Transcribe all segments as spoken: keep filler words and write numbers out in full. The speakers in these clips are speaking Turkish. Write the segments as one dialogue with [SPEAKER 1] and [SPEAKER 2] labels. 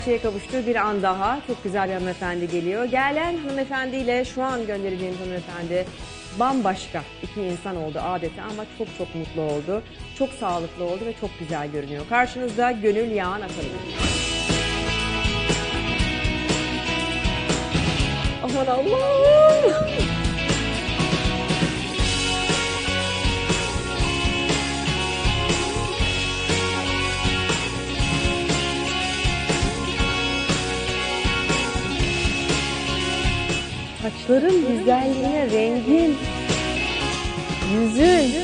[SPEAKER 1] Şeye kavuştuğu bir an daha çok güzel bir hanımefendi geliyor. Gelen hanımefendiyle şu an göndereceğim hanımefendi bambaşka iki insan oldu adeta ama çok çok mutlu oldu. Çok sağlıklı oldu ve çok güzel görünüyor. Karşınızda Gönül Yağan Atalın. Aman Allah'ım! Saçların güzelliğine, rengin, yüzün.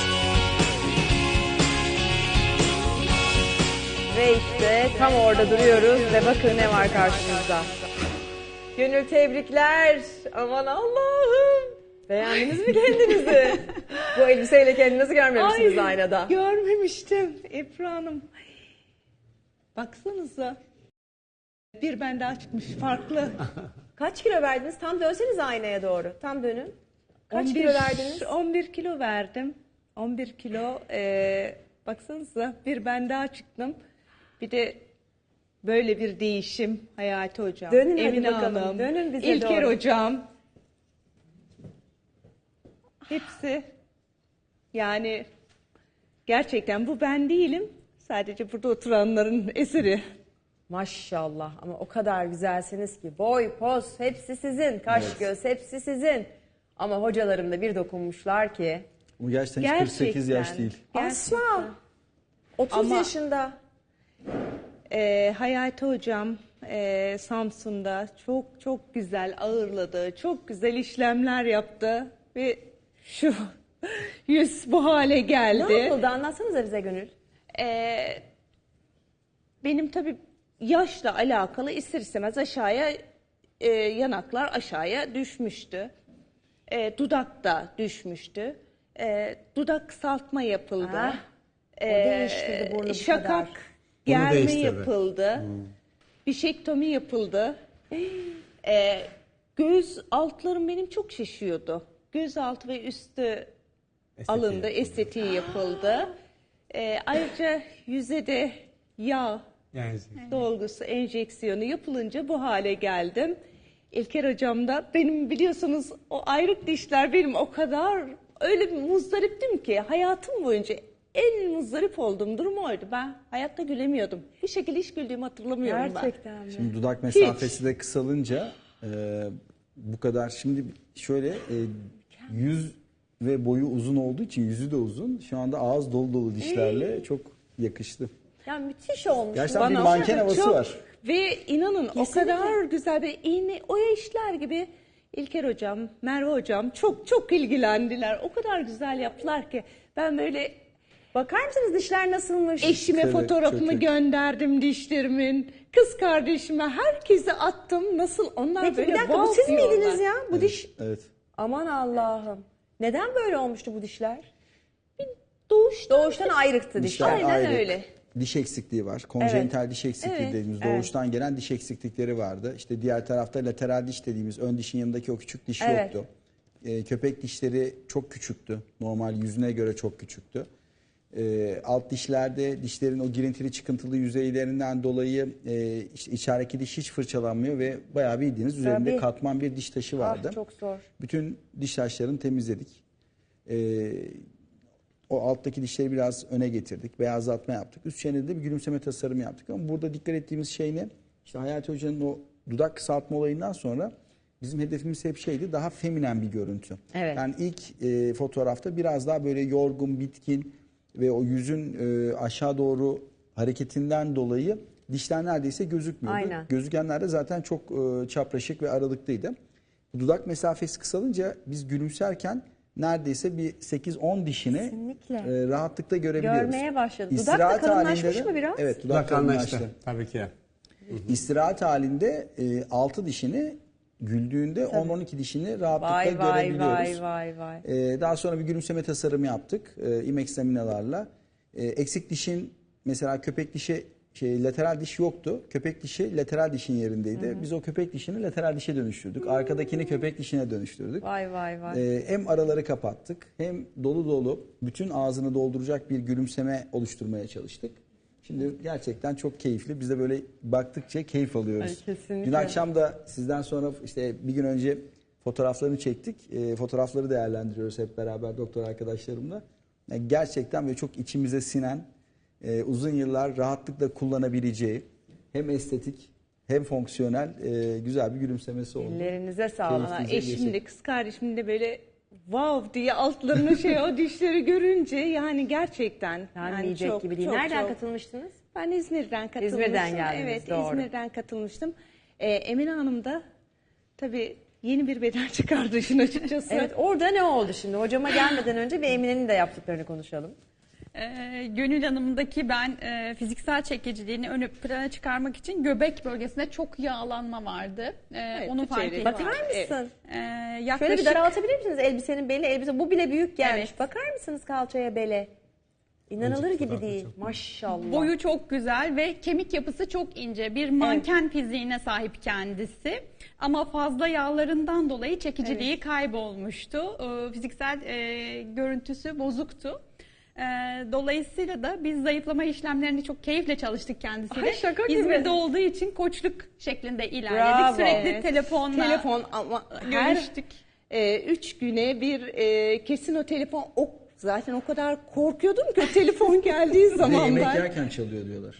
[SPEAKER 1] Ve işte tam orada duruyoruz ve bakın ne var karşımızda. Gönül tebrikler. Aman Allah'ım. Beğendiniz mi kendinizi? Bu elbiseyle kendinizi görmemişsiniz
[SPEAKER 2] Ay,
[SPEAKER 1] aynada.
[SPEAKER 2] Görmemiştim Ebru Hanım. Baksanıza. Bir ben daha çıkmış farklı.
[SPEAKER 1] Kaç kilo verdiniz? Tam dönseniz aynaya doğru. Tam dönün. Kaç
[SPEAKER 2] on bir,
[SPEAKER 1] kilo verdiniz?
[SPEAKER 2] on bir kilo verdim. on bir kilo. E, baksanıza bir ben daha çıktım. Bir de böyle bir değişim Hayati Hocam.
[SPEAKER 1] Dönün hadi
[SPEAKER 2] Emine
[SPEAKER 1] bakalım.
[SPEAKER 2] Hanım,
[SPEAKER 1] Dönün bize
[SPEAKER 2] İlker
[SPEAKER 1] doğru.
[SPEAKER 2] Hocam. Hepsi yani gerçekten bu ben değilim. Sadece burada oturanların eseri.
[SPEAKER 1] Maşallah ama o kadar güzelsiniz ki boy, poz hepsi sizin, kaş
[SPEAKER 3] Evet.
[SPEAKER 1] göz hepsi sizin. Ama hocalarım da bir dokunmuşlar ki.
[SPEAKER 3] Bu gerçekten hiç kırk sekiz yaş değil.
[SPEAKER 1] Asla. otuz
[SPEAKER 2] Ama-
[SPEAKER 1] yaşında.
[SPEAKER 2] Ee, Hayati Hocam e, Samsun'da çok çok güzel ağırladı. Çok güzel işlemler yaptı. Ve şu yüz bu hale geldi.
[SPEAKER 1] Ne yapıldı anlatsanıza bize Gönül.
[SPEAKER 2] Ee, benim tabii yaşla alakalı ister istemez aşağıya e, yanaklar aşağıya düşmüştü. E, dudak da düşmüştü. E, dudak kısaltma yapıldı.
[SPEAKER 1] Ah, o
[SPEAKER 2] E,
[SPEAKER 1] değiştirdi burnu bu
[SPEAKER 2] şakak
[SPEAKER 1] kadar.
[SPEAKER 2] germe
[SPEAKER 4] değiştirdi.
[SPEAKER 2] yapıldı. Bişektomi yapıldı. E, göz altlarım benim çok şişiyordu. Göz altı ve üstü alındı,
[SPEAKER 4] yapıldı.
[SPEAKER 2] estetiği yapıldı. E, ayrıca yüze de yağ
[SPEAKER 4] Yani
[SPEAKER 2] dolgusu, enjeksiyonu yapılınca bu hale geldim. İlker Hocam da benim biliyorsunuz o ayrık dişler benim o kadar öyle bir muzdariptim ki hayatım boyunca en muzdarip olduğum durum oydu. Ben hayatta gülemiyordum. Bir şekilde hiç güldüğümü hatırlamıyorum ben.
[SPEAKER 1] Gerçekten mi?
[SPEAKER 3] Şimdi dudak mesafesi de kısalınca e, bu kadar. Şimdi şöyle e, yüz ve boyu uzun olduğu için yüzü de uzun. Şu anda ağız dolu dolu dişlerle çok yakıştı.
[SPEAKER 1] Ya müthiş olmuş.
[SPEAKER 3] Gerçekten bir
[SPEAKER 2] Bana
[SPEAKER 3] manken havası
[SPEAKER 2] çok-
[SPEAKER 3] var.
[SPEAKER 2] Ve inanın o kadar güzel bir iğne, oya işler gibi İlker Hocam, Merve Hocam çok çok ilgilendiler. O kadar güzel yaptılar ki ben böyle
[SPEAKER 1] Bakar mısınız dişler nasılmış?
[SPEAKER 2] eşime
[SPEAKER 3] Tabii,
[SPEAKER 2] fotoğrafımı
[SPEAKER 3] çok iyi.
[SPEAKER 2] gönderdim dişlerimin. Kız kardeşime herkese attım. Nasıl onlar
[SPEAKER 1] Peki
[SPEAKER 2] böyle
[SPEAKER 1] bir dakika bu
[SPEAKER 2] wow
[SPEAKER 1] siz
[SPEAKER 2] diyorlar.
[SPEAKER 1] miydiniz ya? Bu diş
[SPEAKER 3] Evet.
[SPEAKER 1] aman Allah'ım. Neden böyle olmuştu bu dişler?
[SPEAKER 2] Doğuştan,
[SPEAKER 1] Doğuştan ayrıktı dişler.
[SPEAKER 3] Dişler
[SPEAKER 2] Aynen
[SPEAKER 3] ayrı.
[SPEAKER 2] öyle.
[SPEAKER 3] Diş eksikliği var. Konjenital diş eksikliği
[SPEAKER 2] Evet,
[SPEAKER 3] dediğimiz
[SPEAKER 1] evet.
[SPEAKER 3] doğuştan gelen diş eksiklikleri vardı. İşte diğer tarafta lateral diş dediğimiz ön dişin yanındaki o küçük diş
[SPEAKER 1] Evet.
[SPEAKER 3] yoktu. Ee, köpek dişleri çok küçüktü. Normal yüzüne göre çok küçüktü. Ee, alt dişlerde dişlerin o girintili çıkıntılı yüzeylerinden dolayı e, işte içerideki diş hiç fırçalanmıyor ve bayağı bildiğiniz üzerinde
[SPEAKER 1] Tabii.
[SPEAKER 3] katman bir diş taşı vardı.
[SPEAKER 1] Ah, çok zor.
[SPEAKER 3] Bütün diş taşlarını temizledik. Ee, o alttaki dişleri biraz öne getirdik. Beyazlatma yaptık. Üst çenede de bir gülümseme tasarımı yaptık. Ama burada dikkat ettiğimiz şey ne? İşte Hayati Hoca'nın o dudak kısaltma olayından sonra bizim hedefimiz hep şeydi, daha feminen bir görüntü.
[SPEAKER 1] Evet.
[SPEAKER 3] Yani ilk e, fotoğrafta biraz daha böyle yorgun, bitkin ve o yüzün e, aşağı doğru hareketinden dolayı dişler neredeyse gözükmüyordu.
[SPEAKER 1] Aynen.
[SPEAKER 3] Gözükenler de zaten çok e, çapraşık ve aralıklıydı. Dudak mesafesi kısalınca biz gülümserken neredeyse bir sekiz on dişini
[SPEAKER 1] Kesinlikle.
[SPEAKER 3] e, rahatlıkla görebiliyoruz.
[SPEAKER 1] Görmeye başladı. Dudak da
[SPEAKER 3] İstirahat
[SPEAKER 1] kalınlaşmış
[SPEAKER 3] halinde de-
[SPEAKER 1] mı biraz?
[SPEAKER 3] Evet, dudak
[SPEAKER 4] dudak anlaştı.
[SPEAKER 3] kalınlaştı.
[SPEAKER 4] Tabii ki.
[SPEAKER 3] İstirahat halinde e, altı dişini güldüğünde on on iki dişini rahatlıkla
[SPEAKER 1] Vay vay
[SPEAKER 3] görebiliyoruz.
[SPEAKER 1] vay vay vay.
[SPEAKER 3] E, daha sonra bir gülümseme tasarımı yaptık. E, IMEX laminalarla. E, eksik dişin mesela köpek dişi şey lateral diş yoktu. Köpek dişi lateral dişin yerindeydi. Biz o köpek dişini lateral dişe dönüştürdük. Arkadakini köpek dişine dönüştürdük.
[SPEAKER 1] Vay vay vay.
[SPEAKER 3] Ee, hem araları kapattık hem dolu dolu bütün ağzını dolduracak bir gülümseme oluşturmaya çalıştık. Şimdi Şimdi gerçekten çok keyifli. Biz de böyle baktıkça keyif alıyoruz.
[SPEAKER 1] Ay, kesinlikle.
[SPEAKER 3] Dün akşam da sizden sonra işte bir gün önce fotoğraflarını çektik. E, fotoğrafları değerlendiriyoruz hep beraber doktor arkadaşlarımla. Yani gerçekten böyle çok içimize sinen, e, uzun yıllar rahatlıkla kullanabileceği hem estetik hem fonksiyonel e, güzel bir gülümsemesi oldu.
[SPEAKER 1] Ellerinize sağlık.
[SPEAKER 3] Keyifli.
[SPEAKER 2] Valla
[SPEAKER 3] Bize
[SPEAKER 2] eşim de
[SPEAKER 3] geçecek.
[SPEAKER 2] kız kardeşim de böyle wow diye altlarına şey o dişleri görünce yani gerçekten. yani
[SPEAKER 1] Denmeyecek
[SPEAKER 2] çok,
[SPEAKER 1] gibi değil.
[SPEAKER 2] çok,
[SPEAKER 1] Nereden
[SPEAKER 2] çok.
[SPEAKER 1] katılmıştınız?
[SPEAKER 2] Ben İzmir'den katılmıştım.
[SPEAKER 1] İzmir'den geldiniz,
[SPEAKER 2] Evet,
[SPEAKER 1] doğru.
[SPEAKER 2] İzmir'den katılmıştım. Ee, Emine Hanım da tabii yeni bir beden çıkardı işin açıkçası.
[SPEAKER 1] Evet, orada ne oldu şimdi? Hocama gelmeden önce bir Emine'nin de yaptıklarını konuşalım.
[SPEAKER 4] Ee, Gönül Hanım'daki ben e, fiziksel çekiciliğini ön plana çıkarmak için göbek bölgesinde çok yağlanma vardı. Ee,
[SPEAKER 2] Evet,
[SPEAKER 4] onu
[SPEAKER 2] bir
[SPEAKER 4] fark
[SPEAKER 2] çeyreği
[SPEAKER 4] ettim.
[SPEAKER 1] Bakar mısın?
[SPEAKER 4] Ee,
[SPEAKER 1] Şöyle
[SPEAKER 4] yaklaşık
[SPEAKER 1] bir daraltabilir misiniz elbisenin beli? Elbise bu bile büyük gelmiş.
[SPEAKER 4] Evet.
[SPEAKER 1] Bakar mısınız kalçaya bele? İnanılır
[SPEAKER 3] Önceki
[SPEAKER 1] gibi
[SPEAKER 3] fotoğrafta
[SPEAKER 1] değil.
[SPEAKER 3] çok-
[SPEAKER 1] Maşallah.
[SPEAKER 4] boyu çok güzel ve kemik yapısı çok ince. Bir manken fiziğine sahip kendisi. Ama fazla yağlarından dolayı çekiciliği kaybolmuştu. Ee, fiziksel e, görüntüsü bozuktu. Ee, dolayısıyla da biz zayıflama işlemlerini çok keyifle çalıştık kendisiyle.
[SPEAKER 1] Ay, şaka gibi.
[SPEAKER 4] İzmir'de olduğu için koçluk şeklinde ilerledik.
[SPEAKER 1] Bravo.
[SPEAKER 4] Sürekli
[SPEAKER 2] Evet.
[SPEAKER 4] telefonla
[SPEAKER 2] Telefon ama her
[SPEAKER 4] görüştük.
[SPEAKER 2] e, üç güne bir e, kesin o telefon o zaten o kadar korkuyordum ki o telefon geldiği
[SPEAKER 3] Bir de
[SPEAKER 2] zaman
[SPEAKER 3] yemek
[SPEAKER 2] ben.
[SPEAKER 3] yerken çalıyor diyorlar.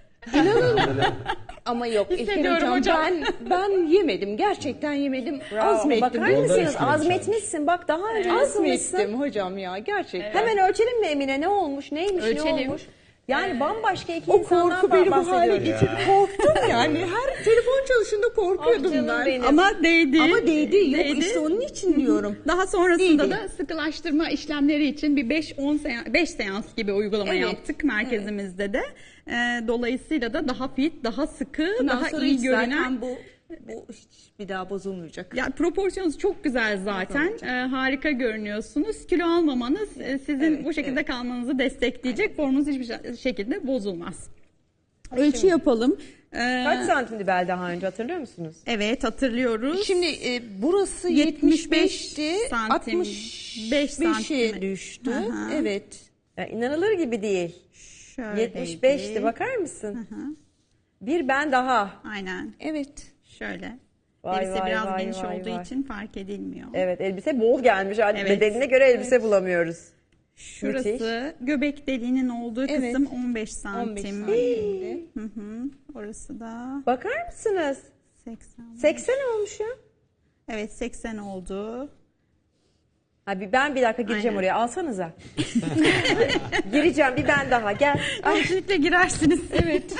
[SPEAKER 2] Ama yok İlker
[SPEAKER 4] Hissediyorum
[SPEAKER 2] hocam,
[SPEAKER 4] hocam.
[SPEAKER 2] ben ben yemedim gerçekten yemedim.
[SPEAKER 1] Bravo.
[SPEAKER 2] Azmettim.
[SPEAKER 1] Bakar
[SPEAKER 3] Yolda
[SPEAKER 1] mısınız?
[SPEAKER 3] üstüne
[SPEAKER 1] Azmetmişsin. Bak daha önce azmetmişsin.
[SPEAKER 2] Azmettim hocam ya gerçekten.
[SPEAKER 1] Hemen ölçelim mi Emine? Ne olmuş? Neymiş? Ne
[SPEAKER 4] Ölçelim.
[SPEAKER 1] olmuş? Yani bambaşka iki
[SPEAKER 2] O
[SPEAKER 1] insandan
[SPEAKER 2] korku beni bu hale
[SPEAKER 1] bahsediyoruz.
[SPEAKER 2] getirdi. Korktum yani. Her telefon çalışında
[SPEAKER 1] Ah
[SPEAKER 2] korkuyordum
[SPEAKER 1] canım
[SPEAKER 2] ben.
[SPEAKER 1] benim.
[SPEAKER 4] Ama değdi.
[SPEAKER 2] Ama değdi. Yok
[SPEAKER 4] Değdi.
[SPEAKER 2] işte onun için diyorum.
[SPEAKER 4] Daha sonrasında
[SPEAKER 2] Değdi.
[SPEAKER 4] da sıkılaştırma işlemleri için bir beş on seans, beş seans gibi uygulama
[SPEAKER 2] Evet.
[SPEAKER 4] yaptık merkezimizde de. Ee, dolayısıyla da daha fit, daha sıkı,
[SPEAKER 2] Bundan
[SPEAKER 4] daha
[SPEAKER 2] sonra
[SPEAKER 4] iyi
[SPEAKER 2] hiç
[SPEAKER 4] görünen.
[SPEAKER 2] zaten bu bu hiç bir daha bozulmayacak.
[SPEAKER 4] Ya proporsiyonunuz çok güzel zaten. Ee, harika görünüyorsunuz. Kilo almamanız e, sizin
[SPEAKER 2] Evet,
[SPEAKER 4] bu şekilde
[SPEAKER 2] evet.
[SPEAKER 4] kalmanızı destekleyecek. Formunuz hiçbir şe- şekilde bozulmaz. Ölçü yapalım. Ee,
[SPEAKER 1] Kaç santimdi bel daha önce hatırlıyor musunuz?
[SPEAKER 4] Evet, hatırlıyoruz.
[SPEAKER 2] Şimdi e, burası
[SPEAKER 4] yetmiş
[SPEAKER 2] yetmiş
[SPEAKER 4] beş
[SPEAKER 2] beşti.
[SPEAKER 4] santim,
[SPEAKER 2] altmış
[SPEAKER 4] beş
[SPEAKER 2] beşe
[SPEAKER 4] santim.
[SPEAKER 2] düştü.
[SPEAKER 4] Aha.
[SPEAKER 2] Evet.
[SPEAKER 1] Ya inanılır gibi değil.
[SPEAKER 4] Şöyleydi.
[SPEAKER 1] yetmiş beşti bakar mısın? Bir ben daha.
[SPEAKER 4] Aynen.
[SPEAKER 2] Evet.
[SPEAKER 4] Şöyle.
[SPEAKER 1] Vay,
[SPEAKER 4] Elbise
[SPEAKER 1] vay,
[SPEAKER 4] biraz
[SPEAKER 1] vay,
[SPEAKER 4] geniş
[SPEAKER 1] vay,
[SPEAKER 4] olduğu
[SPEAKER 1] vay.
[SPEAKER 4] için fark edilmiyor.
[SPEAKER 1] Evet elbise bol gelmiş. Yani
[SPEAKER 4] Evet.
[SPEAKER 1] bedenine göre elbise bulamıyoruz.
[SPEAKER 4] Şurası
[SPEAKER 1] Müthiş.
[SPEAKER 4] göbek deliğinin olduğu
[SPEAKER 2] Evet.
[SPEAKER 4] kısım on beş
[SPEAKER 2] on beş
[SPEAKER 4] santim.
[SPEAKER 2] santimdi.
[SPEAKER 4] Hı hı. Orası da
[SPEAKER 1] Bakar mısınız?
[SPEAKER 4] seksen.
[SPEAKER 1] seksen olmuş ya.
[SPEAKER 4] Evet, seksen oldu.
[SPEAKER 1] Abi ben bir dakika gireceğim
[SPEAKER 4] Aynen.
[SPEAKER 1] oraya. Alsanıza. Gireceğim bir ben daha. Gel. Ay,
[SPEAKER 4] Kesinlikle girersiniz. Evet.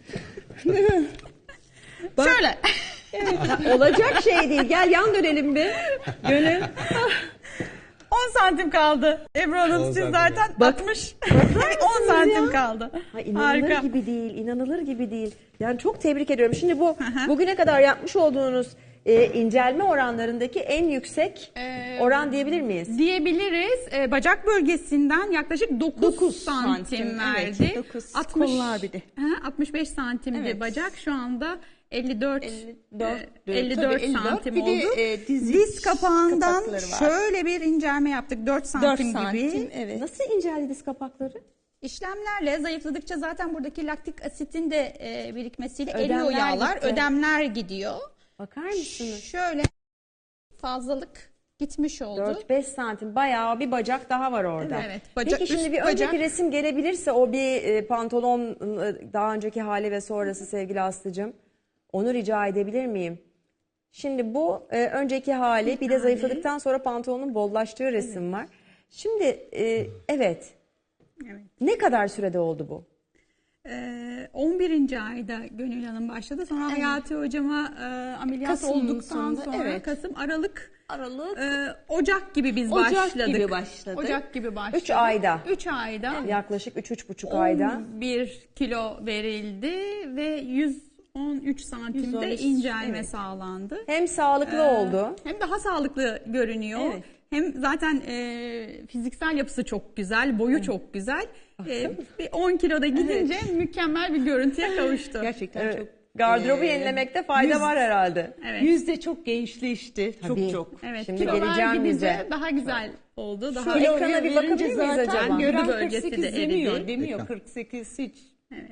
[SPEAKER 4] Şöyle.
[SPEAKER 1] olacak şey değil. Gel yan dönelim bir. Gönül.
[SPEAKER 4] on santim kaldı. Ebru Hanım siz zaten altmış. on santim kaldı.
[SPEAKER 1] Ha, inanılır
[SPEAKER 4] Harika.
[SPEAKER 1] gibi değil. İnanılır gibi değil. Yani çok tebrik ediyorum. Şimdi bu bugüne kadar yapmış olduğunuz e, incelme oranlarındaki en yüksek
[SPEAKER 4] Ee,
[SPEAKER 1] oran diyebilir miyiz?
[SPEAKER 4] Diyebiliriz. Ee, bacak bölgesinden yaklaşık dokuz,
[SPEAKER 2] Dokuz
[SPEAKER 4] santim,
[SPEAKER 2] santim,
[SPEAKER 4] verdi.
[SPEAKER 2] evet, dokuz. Kollar bir de.
[SPEAKER 4] Hı, altmış beş santimdi
[SPEAKER 2] Evet.
[SPEAKER 4] bacak. Şu anda elli dört,
[SPEAKER 2] elli dört,
[SPEAKER 4] e, elli dört
[SPEAKER 2] tabii elli dört.
[SPEAKER 4] santim
[SPEAKER 2] Bir de,
[SPEAKER 4] oldu.
[SPEAKER 2] e, dizi
[SPEAKER 4] Diz kapağından
[SPEAKER 2] kapakları var.
[SPEAKER 4] şöyle bir incelme yaptık. dört santim,
[SPEAKER 2] dört
[SPEAKER 4] gibi.
[SPEAKER 2] santim. Evet.
[SPEAKER 1] Nasıl inceldi diz kapakları?
[SPEAKER 4] İşlemlerle zayıfladıkça zaten buradaki laktik asitin de e, birikmesiyle
[SPEAKER 1] Ödemler
[SPEAKER 4] eriyor yağlar.
[SPEAKER 1] gitti.
[SPEAKER 4] Ödemler gidiyor.
[SPEAKER 1] Bakar mısınız?
[SPEAKER 4] Şöyle fazlalık gitmiş oldu.
[SPEAKER 1] dört beş santim bayağı bir bacak daha var orada.
[SPEAKER 4] Evet, bacak-
[SPEAKER 1] Peki şimdi
[SPEAKER 4] üst
[SPEAKER 1] bir önceki
[SPEAKER 4] bacak-
[SPEAKER 1] resim gelebilirse o bir e, pantolon e, daha önceki hali ve sonrası sevgili Aslı'cığım. Onu rica edebilir miyim? Şimdi bu e, önceki hali bir de zayıfladıktan sonra pantolonun bollaştığı resim var. Şimdi e, evet
[SPEAKER 4] Evet.
[SPEAKER 1] ne kadar sürede oldu bu?
[SPEAKER 4] Ee, on birinci ayda Gönül Hanım başladı. Sonra Hayati Hocama e, ameliyat
[SPEAKER 2] Kasım'ın
[SPEAKER 4] olduktan
[SPEAKER 2] sonunda,
[SPEAKER 4] sonra
[SPEAKER 2] evet.
[SPEAKER 4] Kasım, Aralık,
[SPEAKER 2] Aralık.
[SPEAKER 4] e, Ocak gibi biz
[SPEAKER 2] Ocak
[SPEAKER 4] başladık.
[SPEAKER 2] gibi başladık.
[SPEAKER 4] Ocak gibi başladık.
[SPEAKER 1] üç ayda.
[SPEAKER 4] üç ayda.
[SPEAKER 1] Yaklaşık üç üç buçuk ayda.
[SPEAKER 4] on bir kilo verildi ve yüz on üç santimde
[SPEAKER 2] yüz on üç,
[SPEAKER 4] incelme
[SPEAKER 2] evet.
[SPEAKER 4] sağlandı.
[SPEAKER 1] Hem sağlıklı oldu.
[SPEAKER 4] Hem daha sağlıklı görünüyor.
[SPEAKER 2] Evet.
[SPEAKER 4] Hem zaten e, fiziksel yapısı çok güzel, boyu çok güzel. E, bir on kiloda gidince mükemmel bir görüntüye kavuştu.
[SPEAKER 2] Gerçekten
[SPEAKER 1] Evet.
[SPEAKER 2] çok.
[SPEAKER 1] Gardırobu
[SPEAKER 2] e,
[SPEAKER 1] yenilemekte fayda
[SPEAKER 2] yüz-
[SPEAKER 1] var herhalde.
[SPEAKER 4] Evet.
[SPEAKER 2] Yüzde çok gençleşti.
[SPEAKER 1] Tabii.
[SPEAKER 2] Çok çok.
[SPEAKER 4] Evet,
[SPEAKER 1] Şimdi
[SPEAKER 4] kilolar
[SPEAKER 1] geleceğim
[SPEAKER 4] gidince
[SPEAKER 1] bize.
[SPEAKER 4] daha güzel oldu. Daha
[SPEAKER 1] Şu ekrana bir bakabilir miyiz
[SPEAKER 2] zaten
[SPEAKER 1] acaba?
[SPEAKER 2] gören
[SPEAKER 4] Güdü bölgesi
[SPEAKER 2] kırk sekiz
[SPEAKER 4] de eridi.
[SPEAKER 2] demiyor. Demiyor
[SPEAKER 3] Ekran.
[SPEAKER 2] kırk sekiz hiç.
[SPEAKER 4] Evet.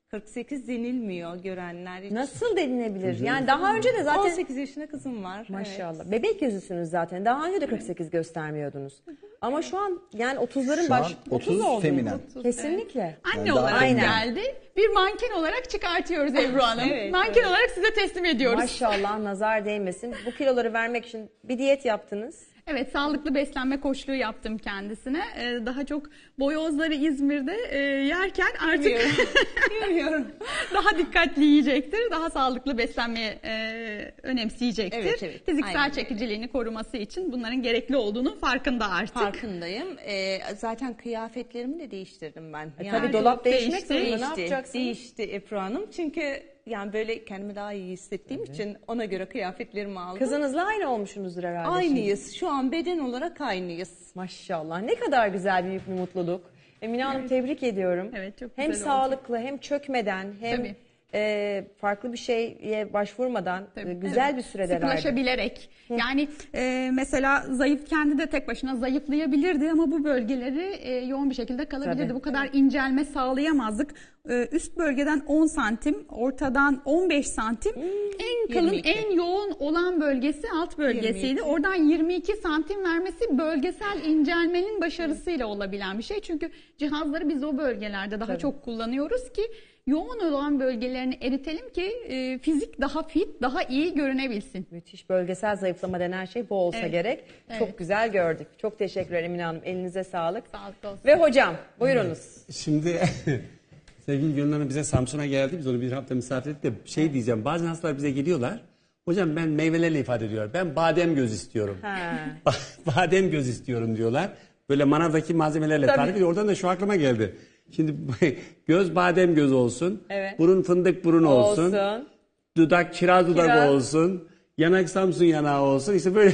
[SPEAKER 2] kırk sekiz denilmiyor görenler için.
[SPEAKER 1] Nasıl denilebilir? Yani daha önce de zaten
[SPEAKER 2] on sekiz yaşında kızım var.
[SPEAKER 1] maşallah.
[SPEAKER 2] Evet.
[SPEAKER 1] Bebek yüzüsünüz zaten. Daha önce de kırk sekiz göstermiyordunuz. Ama şu an yani otuzların
[SPEAKER 3] Şu
[SPEAKER 1] baş
[SPEAKER 3] an
[SPEAKER 1] otuz
[SPEAKER 3] otuz
[SPEAKER 1] oldu.
[SPEAKER 3] feminen.
[SPEAKER 1] Kesinlikle.
[SPEAKER 4] Anne
[SPEAKER 3] Yani daha-
[SPEAKER 4] olarak
[SPEAKER 1] Aynen.
[SPEAKER 4] geldi. Bir manken olarak çıkartıyoruz Ebru Hanım.
[SPEAKER 2] Evet,
[SPEAKER 4] manken olarak size teslim ediyoruz.
[SPEAKER 1] Maşallah nazar değmesin. Bu kiloları vermek için bir diyet yaptınız.
[SPEAKER 4] Evet, sağlıklı beslenme koçluğu yaptım kendisine. Ee, daha çok boyozları İzmir'de e, yerken artık
[SPEAKER 2] Bilmiyorum.
[SPEAKER 4] daha dikkatli yiyecektir. Daha sağlıklı beslenmeyi e, önemseyecektir.
[SPEAKER 2] Evet, evet.
[SPEAKER 4] Fiziksel
[SPEAKER 2] Aynen.
[SPEAKER 4] çekiciliğini koruması için bunların gerekli olduğunu farkında artık.
[SPEAKER 2] Farkındayım. Ee, zaten kıyafetlerimi de değiştirdim ben.
[SPEAKER 1] E
[SPEAKER 2] Yani
[SPEAKER 1] tabii dolap değişmek
[SPEAKER 4] değişti,
[SPEAKER 1] zorunda. Ne
[SPEAKER 2] değişti,
[SPEAKER 1] yapacaksın?
[SPEAKER 2] değişti Ebru Hanım. Çünkü yani böyle kendimi daha iyi hissettiğim için ona göre kıyafetlerimi aldım.
[SPEAKER 1] Kızınızla aynı olmuşsunuzdur herhalde. şimdi.
[SPEAKER 2] Aynıyız. Şu an beden olarak aynıyız.
[SPEAKER 1] Maşallah. Ne kadar güzel büyük bir mutluluk. Emine Hanım tebrik ediyorum.
[SPEAKER 4] Evet, çok
[SPEAKER 1] Hem
[SPEAKER 4] güzel oldu.
[SPEAKER 1] sağlıklı hem çökmeden hem
[SPEAKER 4] Tabii.
[SPEAKER 1] e, farklı bir şeye başvurmadan
[SPEAKER 4] Tabii.
[SPEAKER 1] e, güzel
[SPEAKER 4] Evet.
[SPEAKER 1] bir sürede verdi.
[SPEAKER 4] Sıkılaşabilerek. Yani e, mesela zayıf kendi de tek başına zayıflayabilirdi ama bu bölgeleri e, yoğun bir şekilde kalabilirdi.
[SPEAKER 1] Tabii.
[SPEAKER 4] Bu kadar incelme sağlayamazdık. E, üst bölgeden on santim, ortadan on beş santim. en kalın,
[SPEAKER 2] yirmi iki.
[SPEAKER 4] en yoğun olan bölgesi alt bölgesiydi.
[SPEAKER 2] yirmi iki.
[SPEAKER 4] Oradan yirmi iki santim vermesi bölgesel incelmenin başarısıyla olabilen bir şey. Çünkü cihazları biz o bölgelerde daha çok kullanıyoruz ki yoğun olan bölgelerini eritelim ki e, fizik daha fit, daha iyi görünebilsin.
[SPEAKER 1] Müthiş bölgesel zayıflama denen şey bu olsa
[SPEAKER 4] Evet.
[SPEAKER 1] gerek.
[SPEAKER 4] Evet.
[SPEAKER 1] Çok güzel gördük. Çok teşekkürler Emine Hanım. Elinize sağlık.
[SPEAKER 4] Sağlık olsun.
[SPEAKER 1] Ve hocam buyurunuz.
[SPEAKER 5] Şimdi sevgili Gönül Hanım bize Samsun'a geldi. Biz onu bir hafta misafir ettik de şey diyeceğim. Bazen hastalar bize geliyorlar. Hocam ben meyvelerle ifade ediyorum. Ben badem göz istiyorum.
[SPEAKER 1] Ha.
[SPEAKER 5] Badem göz istiyorum diyorlar. Böyle manavdaki malzemelerle
[SPEAKER 1] Tabii.
[SPEAKER 5] tarif ediyor. Oradan da şu aklıma geldi. Şimdi göz badem göz olsun.
[SPEAKER 1] Evet.
[SPEAKER 5] Burun fındık burun olsun.
[SPEAKER 1] Olsun.
[SPEAKER 5] Dudak kiraz dudak
[SPEAKER 1] Kiraz.
[SPEAKER 5] olsun. Yanak Samsun yanağı olsun. İşte böyle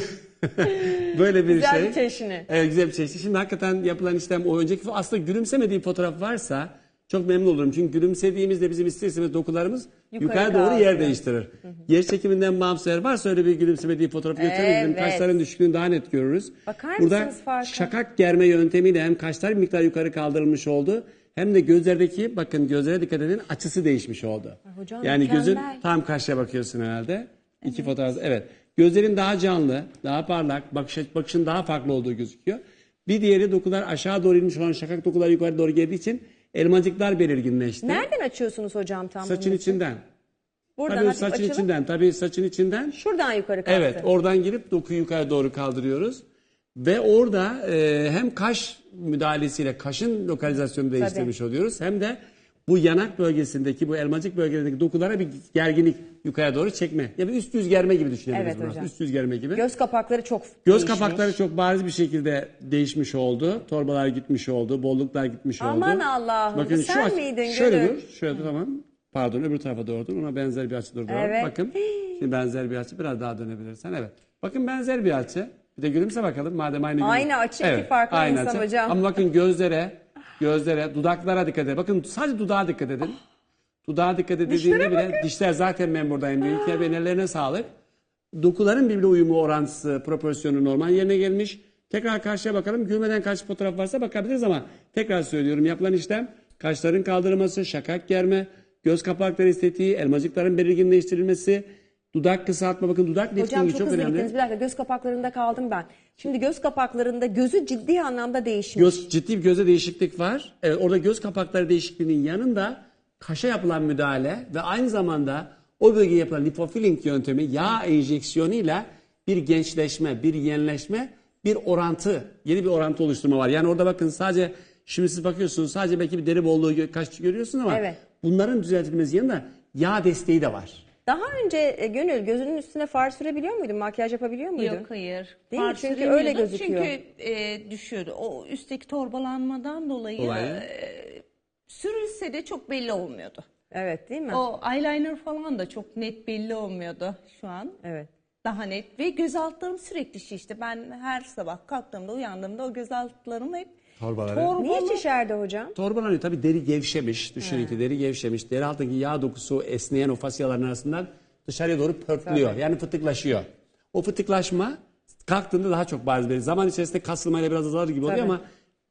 [SPEAKER 5] böyle bir
[SPEAKER 1] Güzel
[SPEAKER 5] şey.
[SPEAKER 1] bir çeşni.
[SPEAKER 5] Evet, güzel bir çeşni. Şimdi hakikaten yapılan işlem o önceki aslında gülümsemediği fotoğraf varsa çok memnun olurum. Çünkü gülümsediğimizde bizim ister istemez dokularımız
[SPEAKER 1] Yukarı
[SPEAKER 5] yukarı, doğru
[SPEAKER 1] kalkıyor.
[SPEAKER 5] yer değiştirir. Yer çekiminden bağımsız eğer varsa öyle bir gülümsemediği fotoğrafı götürebilirim.
[SPEAKER 1] Evet.
[SPEAKER 5] Kaşların düşüklüğünü daha net görürüz.
[SPEAKER 1] Bakar
[SPEAKER 5] Burada
[SPEAKER 1] mısınız farka?
[SPEAKER 5] şakak germe yöntemiyle hem kaşlar bir miktar yukarı kaldırılmış oldu. Hem de gözlerdeki bakın gözlere dikkat edin açısı değişmiş oldu.
[SPEAKER 1] hocam
[SPEAKER 5] yani gözün
[SPEAKER 1] mükemmel.
[SPEAKER 5] tam karşıya bakıyorsun herhalde. İki fotoğraf evet. Gözlerin daha canlı, daha parlak, bakış, bakışın daha farklı olduğu gözüküyor. Bir diğeri dokular aşağı doğru inmiş olan şakak dokular yukarı doğru geldiği için elmacıklar belirginleşti.
[SPEAKER 1] Nereden açıyorsunuz hocam tam
[SPEAKER 5] Saçın
[SPEAKER 1] bunun için?
[SPEAKER 5] içinden.
[SPEAKER 1] Buradan
[SPEAKER 5] Tabii
[SPEAKER 1] hafif
[SPEAKER 5] saçın
[SPEAKER 1] açılıp
[SPEAKER 5] içinden. Tabii saçın içinden.
[SPEAKER 1] şuradan yukarı kalktı.
[SPEAKER 5] Evet, oradan girip dokuyu yukarı doğru kaldırıyoruz. Ve orada e, hem kaş müdahalesiyle kaşın lokalizasyonu değiştirmiş oluyoruz. Hem de bu yanak bölgesindeki, bu elmacık bölgesindeki dokulara bir gerginlik yukarı doğru çekme. Ya bir üst yüz germe gibi düşünebiliriz
[SPEAKER 1] Evet
[SPEAKER 5] bunu.
[SPEAKER 1] hocam.
[SPEAKER 5] Üst yüz germe gibi.
[SPEAKER 1] Göz kapakları çok
[SPEAKER 5] Göz
[SPEAKER 1] değişmiş.
[SPEAKER 5] kapakları çok bariz bir şekilde değişmiş oldu. Torbalar gitmiş oldu, bolluklar gitmiş oldu.
[SPEAKER 1] Aman Allah'ım, bu sen
[SPEAKER 5] aç-
[SPEAKER 1] miydin
[SPEAKER 5] Şöyle
[SPEAKER 1] Gönül?
[SPEAKER 5] dur, şöyle dur tamam. Pardon öbür tarafa doğru dur. Ona benzer bir açı dur. doğru.
[SPEAKER 1] Evet.
[SPEAKER 5] Bakın şimdi benzer bir açı biraz daha dönebilirsen. Evet. Bakın benzer bir açı. Bir de gülümse bakalım madem aynı gülüm-
[SPEAKER 1] Aynı açı, iki farklı
[SPEAKER 5] aynı
[SPEAKER 1] insan
[SPEAKER 5] açı.
[SPEAKER 1] hocam.
[SPEAKER 5] Ama bakın gözlere, gözlere, dudaklara dikkat edin. Bakın sadece dudağa dikkat edin. Dudağa dikkat edildiğinde bile dişler zaten ben buradayım. Büyük ya benim ellerine sağlık. Dokuların birbirine uyumu orantısı, proporsiyonu normal yerine gelmiş. Tekrar karşıya bakalım. Gülmeden kaç fotoğraf varsa bakabiliriz ama tekrar söylüyorum. Yapılan işlem kaşların kaldırılması, şakak germe, göz kapakları estetiği, elmacıkların belirginleştirilmesi, dudak kısaltma. Bakın dudak
[SPEAKER 1] Hocam
[SPEAKER 5] liftingi
[SPEAKER 1] çok,
[SPEAKER 5] çok,
[SPEAKER 1] hızlı
[SPEAKER 5] önemli.
[SPEAKER 1] gittiniz. Bir dakika göz kapaklarında kaldım ben. Şimdi göz kapaklarında gözü ciddi anlamda değişmiş.
[SPEAKER 5] Göz, ciddi bir göze değişiklik var. Evet, orada göz kapakları değişikliğinin yanında kaşa yapılan müdahale ve aynı zamanda o bölgeye yapılan lipofilling yöntemi yağ enjeksiyonuyla bir gençleşme, bir yenileşme, bir orantı, yeni bir orantı oluşturma var. Yani orada bakın sadece şimdi siz bakıyorsunuz sadece belki bir deri bolluğu gö- kaş görüyorsunuz ama
[SPEAKER 1] Evet.
[SPEAKER 5] bunların düzeltilmesi yanında yağ desteği de var.
[SPEAKER 1] Daha önce e, Gönül gözünün üstüne far sürebiliyor muydun? Makyaj yapabiliyor muydun?
[SPEAKER 2] Yok hayır.
[SPEAKER 1] Değil mi?
[SPEAKER 2] Far
[SPEAKER 1] Çünkü
[SPEAKER 2] süremiyordum.
[SPEAKER 1] öyle gözüküyor.
[SPEAKER 2] Çünkü e, düşüyordu. O üstteki torbalanmadan dolayı,
[SPEAKER 5] Dolayı.
[SPEAKER 2] e, sürülse de çok belli olmuyordu.
[SPEAKER 1] Evet değil mi?
[SPEAKER 2] O eyeliner falan da çok net belli olmuyordu şu an.
[SPEAKER 1] Evet.
[SPEAKER 2] Daha net ve göz altlarım sürekli şişti. Ben her sabah kalktığımda uyandığımda o göz altlarım hep
[SPEAKER 5] Torbaları.
[SPEAKER 2] torbalı.
[SPEAKER 1] Niye şişerdi hocam?
[SPEAKER 5] Torbalanıyor tabii deri gevşemiş. Düşünün ki deri gevşemiş. Deri altındaki yağ dokusu esneyen o fasyaların arasından dışarıya doğru pörtlüyor. Yani fıtıklaşıyor. O fıtıklaşma kalktığında daha çok bariz belli. Zaman içerisinde kasılmayla biraz azalır gibi oluyor
[SPEAKER 1] Tabii.
[SPEAKER 5] ama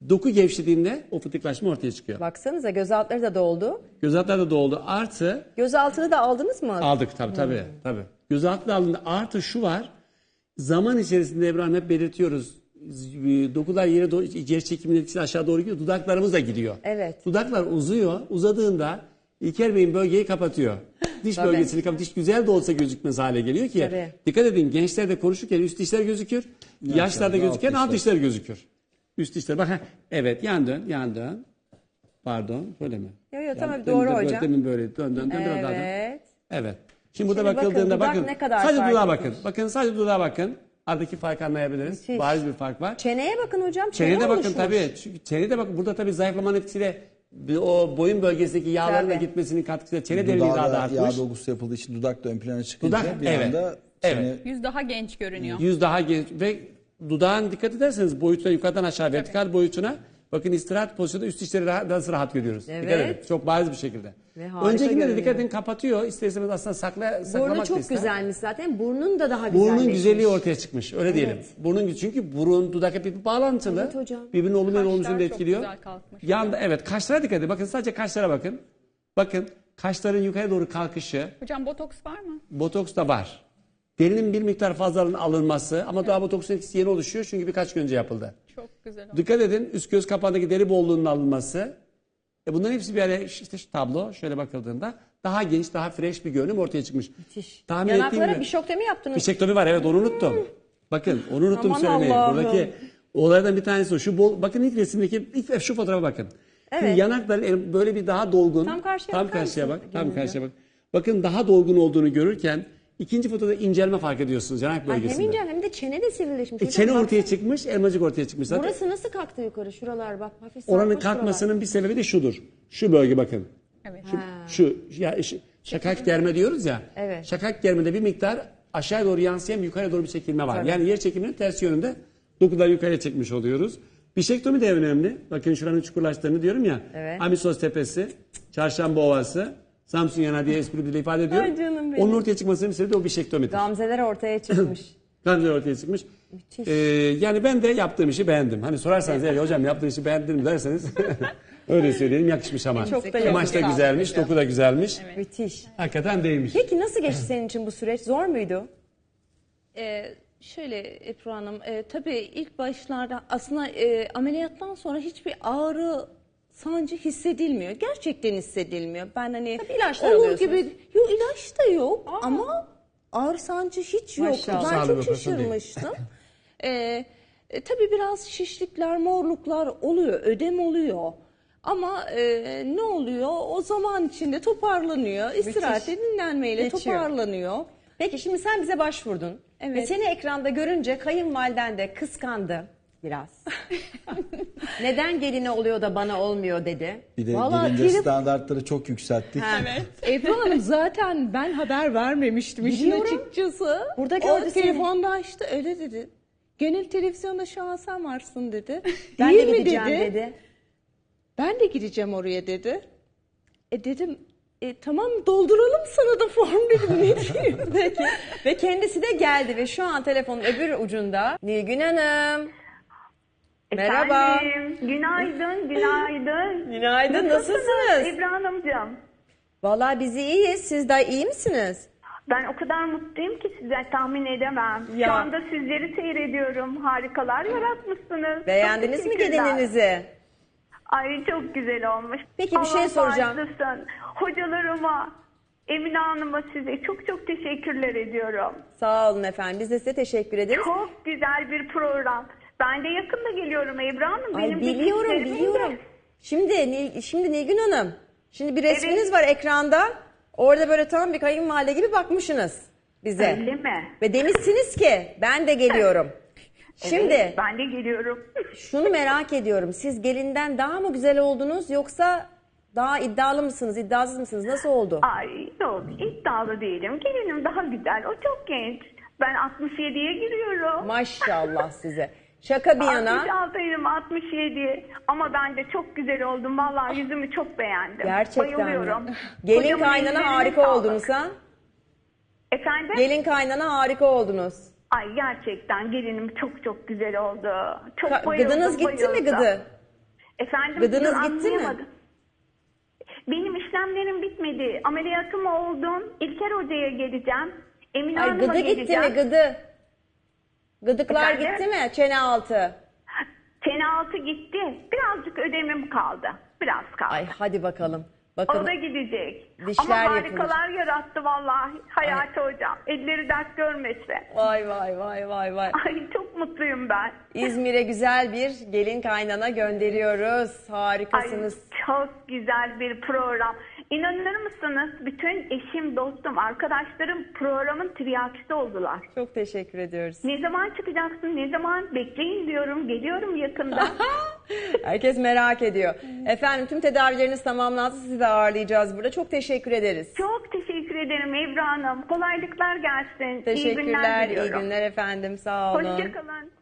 [SPEAKER 5] Doku gevşediğinde o fıtıklaşma ortaya çıkıyor.
[SPEAKER 1] Baksanıza göz altları da doldu.
[SPEAKER 5] Göz altları da doldu. Artı
[SPEAKER 1] Göz altını da aldınız mı?
[SPEAKER 5] aldık tabii tabii.
[SPEAKER 1] Hmm.
[SPEAKER 5] tabii. Göz altı aldığında artı şu var. Zaman içerisinde Ebru Hanım hep belirtiyoruz. Dokular yere doğru, geri çekimin etkisi aşağı doğru gidiyor. Dudaklarımız da gidiyor.
[SPEAKER 1] Evet.
[SPEAKER 5] Dudaklar uzuyor. Uzadığında İlker Bey'in bölgeyi kapatıyor. Diş
[SPEAKER 1] Tabii.
[SPEAKER 5] bölgesini kapatıyor. Diş güzel de olsa gözükmez hale geliyor ki.
[SPEAKER 1] Tabii.
[SPEAKER 5] Dikkat edin, gençlerde konuşurken üst dişler gözükür. Yaşlarda
[SPEAKER 3] alt
[SPEAKER 5] gözüken alt
[SPEAKER 3] dişler.
[SPEAKER 5] dişler gözükür. Üst dişler. Bak, heh, evet, yan dön, yan dön. Pardon, böyle mi?
[SPEAKER 1] Yok yok tamam
[SPEAKER 5] Yani
[SPEAKER 1] doğru
[SPEAKER 5] demin de böyle,
[SPEAKER 1] hocam.
[SPEAKER 5] Demin böyle dön dön dön. biraz daha dön.
[SPEAKER 1] Evet.
[SPEAKER 5] Evet. Şimdi burada
[SPEAKER 1] Şimdi bakın,
[SPEAKER 5] bakıldığında
[SPEAKER 1] dudak
[SPEAKER 5] bakın.
[SPEAKER 1] ne kadar
[SPEAKER 5] sadece
[SPEAKER 1] fark
[SPEAKER 5] dudağa
[SPEAKER 1] etmiş.
[SPEAKER 5] bakın. Bakın sadece dudağa bakın. Aradaki farkı anlayabiliriz.
[SPEAKER 1] Müthiş.
[SPEAKER 5] Bariz bir fark var.
[SPEAKER 1] Çeneye bakın hocam. Çene
[SPEAKER 5] Çeneye de bakın
[SPEAKER 1] oluşmuş.
[SPEAKER 5] tabii. Çünkü çeneye de bakın. Burada tabii zayıflamanın etkisiyle bir o boyun bölgesindeki yağların da
[SPEAKER 1] Tabii.
[SPEAKER 5] gitmesinin katkısıyla çene derinliği daha da
[SPEAKER 3] Dudağda
[SPEAKER 5] artmış.
[SPEAKER 3] yağ dolgusu yapıldığı için dudak da ön plana çıkınca
[SPEAKER 5] Dudak,
[SPEAKER 3] bir
[SPEAKER 5] evet.
[SPEAKER 3] anda
[SPEAKER 5] Evet.
[SPEAKER 3] çene
[SPEAKER 4] Yüz daha genç görünüyor.
[SPEAKER 5] Yüz daha genç ve dudağın dikkat ederseniz boyutuna yukarıdan aşağı vertikal boyutuna bakın istirahat pozisyonunda üst dişleri rahat, nasıl rahat görüyoruz.
[SPEAKER 1] Evet.
[SPEAKER 5] Dikkat edin. Çok bariz bir şekilde.
[SPEAKER 1] Ve harika
[SPEAKER 5] Öncekinde de
[SPEAKER 1] görünüyor.
[SPEAKER 5] dikkat edin kapatıyor. İster istemez aslında sakla, saklamak
[SPEAKER 1] Burnu
[SPEAKER 5] da
[SPEAKER 1] çok
[SPEAKER 5] ister.
[SPEAKER 1] güzelmiş zaten. Burnun da daha güzelleşmiş.
[SPEAKER 5] Burnun güzelliği ortaya çıkmış. Öyle diyelim. Burnun çünkü burun dudak hep bir bağlantılı.
[SPEAKER 1] Evet hocam.
[SPEAKER 5] Birbirinin olumlu ve
[SPEAKER 4] Kaşlar
[SPEAKER 5] olumsuz da
[SPEAKER 4] çok
[SPEAKER 5] etkiliyor.
[SPEAKER 4] güzel kalkmış.
[SPEAKER 5] Yanda evet kaşlara dikkat edin. Bakın sadece kaşlara bakın. Bakın kaşların yukarı doğru kalkışı.
[SPEAKER 4] Hocam botoks var mı?
[SPEAKER 5] Botoks da var. Derinin bir miktar fazlalığının alınması ama daha botoksun etkisi yeni oluşuyor çünkü birkaç gün önce yapıldı.
[SPEAKER 4] Çok güzel oldu.
[SPEAKER 5] Dikkat edin üst göz kapağındaki deri bolluğunun alınması. E bunların hepsi bir araya işte şu tablo şöyle bakıldığında daha genç, daha fresh bir görünüm ortaya çıkmış.
[SPEAKER 1] Müthiş.
[SPEAKER 5] Tahmin ettiğim
[SPEAKER 1] Yanaklara
[SPEAKER 5] gibi-
[SPEAKER 1] bir şoktomi yaptınız.
[SPEAKER 5] Fişektomi var evet onu unuttum. Bakın onu unuttum
[SPEAKER 1] Aman
[SPEAKER 5] söylemeyi.
[SPEAKER 1] Allah'ım.
[SPEAKER 5] Buradaki olaylardan bir tanesi o. Şu bol, bakın ilk resimdeki ilk şu fotoğrafa bakın.
[SPEAKER 1] Evet.
[SPEAKER 5] Şimdi yanakları böyle bir daha dolgun.
[SPEAKER 1] Tam karşıya
[SPEAKER 5] tam
[SPEAKER 1] bakar
[SPEAKER 5] karşıya
[SPEAKER 1] mısın?
[SPEAKER 5] bak. Tam
[SPEAKER 1] Gönülcüm.
[SPEAKER 5] karşıya bak. Bakın daha dolgun olduğunu görürken ikinci fotoda incelme fark ediyorsunuz yanak
[SPEAKER 1] Ay, hem
[SPEAKER 5] bölgesinde.
[SPEAKER 1] ince hem de çene de sivrileşmiş.
[SPEAKER 5] E,
[SPEAKER 1] Hocam,
[SPEAKER 5] çene
[SPEAKER 1] baksana.
[SPEAKER 5] ortaya çıkmış, elmacık ortaya çıkmış zaten.
[SPEAKER 1] Burası nasıl kalktı yukarı? Şuralar bak. Hafif
[SPEAKER 5] Oranın
[SPEAKER 1] sarkmış
[SPEAKER 5] kalkmasının bir sebebi de şudur. Şu bölge bakın.
[SPEAKER 4] Evet.
[SPEAKER 5] Şu ya şu, şakak germe diyoruz ya.
[SPEAKER 1] Evet.
[SPEAKER 5] Şakak germede bir miktar aşağı doğru yansıyan yukarı doğru bir çekilme var. Yani yer çekiminin tersi yönünde dokuları yukarıya çekmiş oluyoruz. Bişektomi de önemli. Bakın şuranın çukurlaştığını diyorum ya.
[SPEAKER 1] Evet.
[SPEAKER 5] Amisos Tepesi, Çarşamba Ovası, Samsun Yanağı diye espri dili ifade ediyorum.
[SPEAKER 1] Ay canım benim.
[SPEAKER 5] Onun ortaya çıkmasının bir sebebi de o bişektomidir.
[SPEAKER 1] Gamzeler ortaya çıkmış.
[SPEAKER 5] Gamzeler ortaya çıkmış.
[SPEAKER 1] Müthiş.
[SPEAKER 5] Ee, yani ben de yaptığım işi beğendim. Hani sorarsanız "Ey hocam yaptığın işi beğendin mi?" derseniz öyle söyleyelim yakışmış ama.
[SPEAKER 1] Çok da
[SPEAKER 5] Kumaş da
[SPEAKER 1] yakışmış.
[SPEAKER 5] güzelmiş, doku da güzelmiş.
[SPEAKER 1] Müthiş.
[SPEAKER 5] Hakikaten değmiş.
[SPEAKER 1] Peki nasıl geçti senin için bu süreç? Zor muydu?
[SPEAKER 2] Ee, şöyle Ebru Hanım, e, tabii ilk başlarda aslında e, ameliyattan sonra hiçbir ağrı, sancı hissedilmiyor. Gerçekten hissedilmiyor. Ben hani
[SPEAKER 1] Tabii ilaçlar
[SPEAKER 2] olur
[SPEAKER 1] alıyorsunuz.
[SPEAKER 2] gibi, yok ilaç da yok ama ağrı sancı hiç yok.
[SPEAKER 1] Maşallah.
[SPEAKER 2] Ben
[SPEAKER 5] Sağlık
[SPEAKER 2] çok
[SPEAKER 5] operasyon değil.
[SPEAKER 2] şaşırmıştım. ee, e, tabii biraz şişlikler, morluklar oluyor, ödem oluyor. Ama e, ne oluyor? O zaman içinde toparlanıyor. İstirahatle, dinlenmeyle
[SPEAKER 1] Geçiyor.
[SPEAKER 2] toparlanıyor.
[SPEAKER 1] Peki şimdi sen bize başvurdun.
[SPEAKER 2] Evet.
[SPEAKER 1] Ve seni ekranda görünce kayınvaliden de kıskandı biraz. Neden geline oluyor da bana olmuyor dedi.
[SPEAKER 3] bir de
[SPEAKER 2] Vallahi
[SPEAKER 3] gelince
[SPEAKER 2] trip-
[SPEAKER 3] standartları çok yükselttik.
[SPEAKER 2] Ebru Hanım zaten ben haber vermemiştim işin
[SPEAKER 1] Biliyorum.
[SPEAKER 2] açıkçası.
[SPEAKER 1] Burada
[SPEAKER 2] o
[SPEAKER 1] gördü seni.
[SPEAKER 2] telefonda açtı öyle dedi. Gönül televizyonda şu an sen varsın dedi.
[SPEAKER 1] Ben
[SPEAKER 2] Değil
[SPEAKER 1] de
[SPEAKER 2] mi
[SPEAKER 1] gideceğim dedi.
[SPEAKER 2] Ben de gideceğim oraya dedi. E dedim e, tamam dolduralım sana da form dedim. Ne diyeyim?
[SPEAKER 1] Peki. Ve kendisi de geldi ve şu an telefonun öbür ucunda Nilgün Hanım. Merhaba.
[SPEAKER 6] Efendim, günaydın, günaydın.
[SPEAKER 1] Günaydın, nasılsınız?
[SPEAKER 6] Ebru Hanımcığım?
[SPEAKER 1] Vallahi biz iyiyiz. Siz de iyi misiniz?
[SPEAKER 6] Ben o kadar mutluyum ki size tahmin edemem.
[SPEAKER 1] Ya.
[SPEAKER 6] Şu anda sizleri seyrediyorum. Harikalar yaratmışsınız.
[SPEAKER 1] Beğendiniz
[SPEAKER 6] Çok
[SPEAKER 1] mi
[SPEAKER 6] teşekkürler.
[SPEAKER 1] gelininizi?
[SPEAKER 6] Ay çok güzel olmuş.
[SPEAKER 1] Peki, bir şey
[SPEAKER 6] Allah
[SPEAKER 1] soracağım.
[SPEAKER 6] bağışlasın. Hocalarıma, Emine Hanım'a size çok çok teşekkürler ediyorum.
[SPEAKER 1] Sağ olun efendim. Biz de size teşekkür ederiz.
[SPEAKER 6] Çok güzel bir program. Ben de yakında geliyorum Ebru Hanım.
[SPEAKER 1] Ay
[SPEAKER 6] Benim de
[SPEAKER 1] biliyorum,
[SPEAKER 6] çiftlerim de-
[SPEAKER 1] biliyorum. Şimdi Nil- şimdi Nilgün Hanım. Şimdi bir resminiz
[SPEAKER 6] Evet.
[SPEAKER 1] var ekranda. Orada böyle tam bir kayınvalide gibi bakmışsınız bize.
[SPEAKER 6] Öyle mi?
[SPEAKER 1] Ve demişsiniz ki ben de geliyorum. Şimdi
[SPEAKER 6] Evet, ben de geliyorum.
[SPEAKER 1] şunu merak ediyorum. Siz gelinden daha mı güzel oldunuz yoksa daha iddialı mısınız, iddiasız mısınız? Nasıl oldu?
[SPEAKER 6] Ay yok iddialı değilim. Gelinim daha güzel. O çok genç. Ben altmış yediye giriyorum.
[SPEAKER 1] Maşallah size. Şaka bir yana.
[SPEAKER 6] altmış altıyım altmış yedi. Ama ben de çok güzel oldum. Vallahi yüzümü çok beğendim.
[SPEAKER 1] Gerçekten
[SPEAKER 6] Bayılıyorum.
[SPEAKER 1] mi? Gelin
[SPEAKER 6] Kocamın
[SPEAKER 1] kaynana
[SPEAKER 6] ellerine
[SPEAKER 1] harika
[SPEAKER 6] sağlık.
[SPEAKER 1] oldunuz ha?
[SPEAKER 6] Efendim?
[SPEAKER 1] Gelin kaynana harika oldunuz.
[SPEAKER 6] Ay gerçekten gelinim çok çok güzel oldu. Çok
[SPEAKER 1] Ka-
[SPEAKER 6] bayıldım.
[SPEAKER 1] Gıdınız gitti mi
[SPEAKER 6] bayıldım.
[SPEAKER 1] gıdı?
[SPEAKER 6] Efendim,
[SPEAKER 1] Gıdınız
[SPEAKER 6] dur,
[SPEAKER 1] gitti mi?
[SPEAKER 6] anlayamadım. Benim işlemlerim bitmedi. Ameliyatım oldum. İlker Hoca'ya geleceğim. Emine
[SPEAKER 1] Ay
[SPEAKER 6] Hanım'a
[SPEAKER 1] gıdı gitti
[SPEAKER 6] geleceğim.
[SPEAKER 1] mi gıdı? Gıdıklar
[SPEAKER 6] Efendim?
[SPEAKER 1] gitti mi? Çene altı.
[SPEAKER 6] Çene altı gitti. Birazcık ödemim kaldı. Biraz kaldı.
[SPEAKER 1] Ay hadi bakalım.
[SPEAKER 6] O
[SPEAKER 1] Bakın
[SPEAKER 6] da gidecek.
[SPEAKER 1] dişler
[SPEAKER 6] Ama
[SPEAKER 1] yapılacak.
[SPEAKER 6] harikalar yarattı vallahi Hayati Hocam. Elleri dert görmese.
[SPEAKER 1] vay vay vay vay vay.
[SPEAKER 6] Ay çok mutluyum ben.
[SPEAKER 1] İzmir'e güzel bir gelin kaynana gönderiyoruz.
[SPEAKER 6] Ay
[SPEAKER 1] Harikasınız.
[SPEAKER 6] çok güzel bir program. İnanır mısınız? Bütün eşim, dostum, arkadaşlarım programın tiryakisi oldular.
[SPEAKER 1] Çok teşekkür ediyoruz.
[SPEAKER 6] Ne zaman çıkacaksın? Ne zaman? Bekleyin diyorum. Geliyorum yakında.
[SPEAKER 1] Herkes merak ediyor. Efendim tüm tedavileriniz tamamlandı. Sizi de ağırlayacağız burada. Çok teşekkür ederiz.
[SPEAKER 6] Çok teşekkür ederim Ebru Hanım. Kolaylıklar gelsin. İyi
[SPEAKER 1] Teşekkürler.
[SPEAKER 6] günler
[SPEAKER 1] İyi
[SPEAKER 6] diliyorum.
[SPEAKER 1] günler efendim. Sağ olun.
[SPEAKER 6] Hoşçakalın.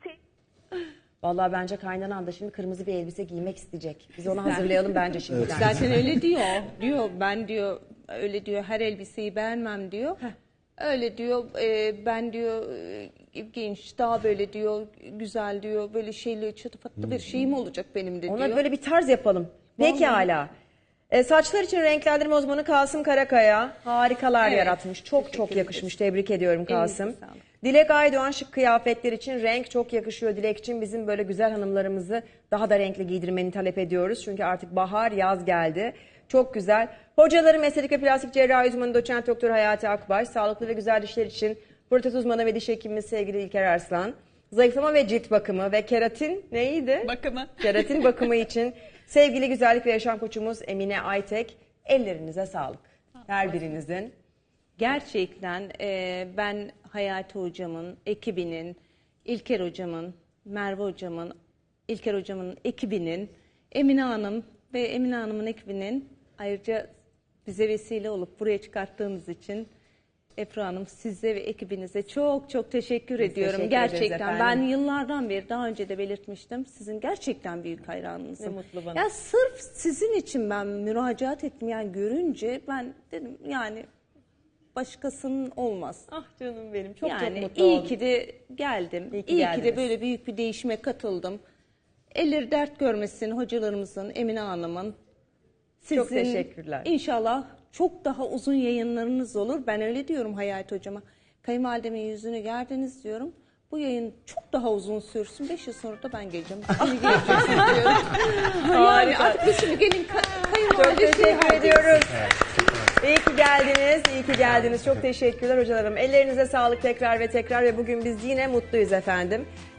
[SPEAKER 1] Vallahi bence kaynanan da şimdi kırmızı bir elbise giymek isteyecek. Biz onu hazırlayalım bence şimdiden.
[SPEAKER 2] Zaten öyle diyor. Diyor ben diyor öyle diyor her elbiseyi beğenmem diyor. Öyle diyor e, ben diyor e, genç daha böyle diyor güzel diyor böyle şeyli çıtıfatlı bir şeyim olacak benim de diyor.
[SPEAKER 1] Ona böyle bir tarz yapalım. Pekala. E, saçlar için renklendirme uzmanı Kasım Karakaya harikalar
[SPEAKER 2] Evet.
[SPEAKER 1] yaratmış. Çok çok yakışmış. Tebrik ediyorum Kasım.
[SPEAKER 2] Elinize sağlık.
[SPEAKER 1] Dilek Aydoğan şık kıyafetler için renk çok yakışıyor. Dilek için bizim böyle güzel hanımlarımızı daha da renkli giydirmeni talep ediyoruz. Çünkü artık bahar, yaz geldi. Çok güzel. Hocalarım estetik ve plastik cerrahi uzmanı doçent doktor Hayati Akbaş. Sağlıklı ve güzel dişler için protez uzmanı ve diş hekimimiz sevgili İlker Arslan. Zayıflama ve cilt bakımı ve keratin neydi?
[SPEAKER 4] Bakımı.
[SPEAKER 1] Keratin bakımı için sevgili güzellik ve yaşam koçumuz Emine Aytek. Ellerinize sağlık. Her birinizin.
[SPEAKER 2] Gerçekten e, ben Hayati Hocam'ın, ekibinin, İlker Hocam'ın, Merve Hocam'ın, İlker Hocam'ın ekibinin, Emine Hanım ve Emine Hanım'ın ekibinin ayrıca bize vesile olup buraya çıkarttığınız için Ebru Hanım size ve ekibinize çok çok teşekkür
[SPEAKER 1] Biz
[SPEAKER 2] ediyorum.
[SPEAKER 1] teşekkür ederiz
[SPEAKER 2] Gerçekten
[SPEAKER 1] efendim.
[SPEAKER 2] ben yıllardan beri daha önce de belirtmiştim. Sizin gerçekten büyük hayranınızım.
[SPEAKER 1] Ne mutlu bana.
[SPEAKER 2] Ya sırf sizin için ben müracaat ettim yani görünce ben dedim yani başkasının olmaz.
[SPEAKER 1] Ah canım benim. Çok
[SPEAKER 2] yani
[SPEAKER 1] çok mutlu
[SPEAKER 2] iyi
[SPEAKER 1] oldum.
[SPEAKER 2] ki de geldim.
[SPEAKER 1] İyi
[SPEAKER 2] İyi
[SPEAKER 1] ki
[SPEAKER 2] ki,
[SPEAKER 1] geldiniz.
[SPEAKER 2] de böyle büyük bir değişime katıldım. Elleri dert görmesin hocalarımızın, Emine Hanım'ın. Sizin
[SPEAKER 1] Çok teşekkürler.
[SPEAKER 2] İnşallah çok daha uzun yayınlarınız olur. Ben öyle diyorum Hayati Hocama. Kayınvalidemin yüzünü gerdiniz diyorum. Bu yayın çok daha uzun sürsün. Beş yıl sonra da ben geleceğim. Şimdi geleceksiniz diyorum. Yani artık biz şimdi gelin ka- kayınvalide
[SPEAKER 1] Çok teşekkür
[SPEAKER 2] şey
[SPEAKER 1] ediyoruz. İyi ki geldiniz, iyi ki geldiniz. Çok teşekkürler hocalarım. Ellerinize sağlık tekrar ve tekrar ve bugün biz yine mutluyuz efendim.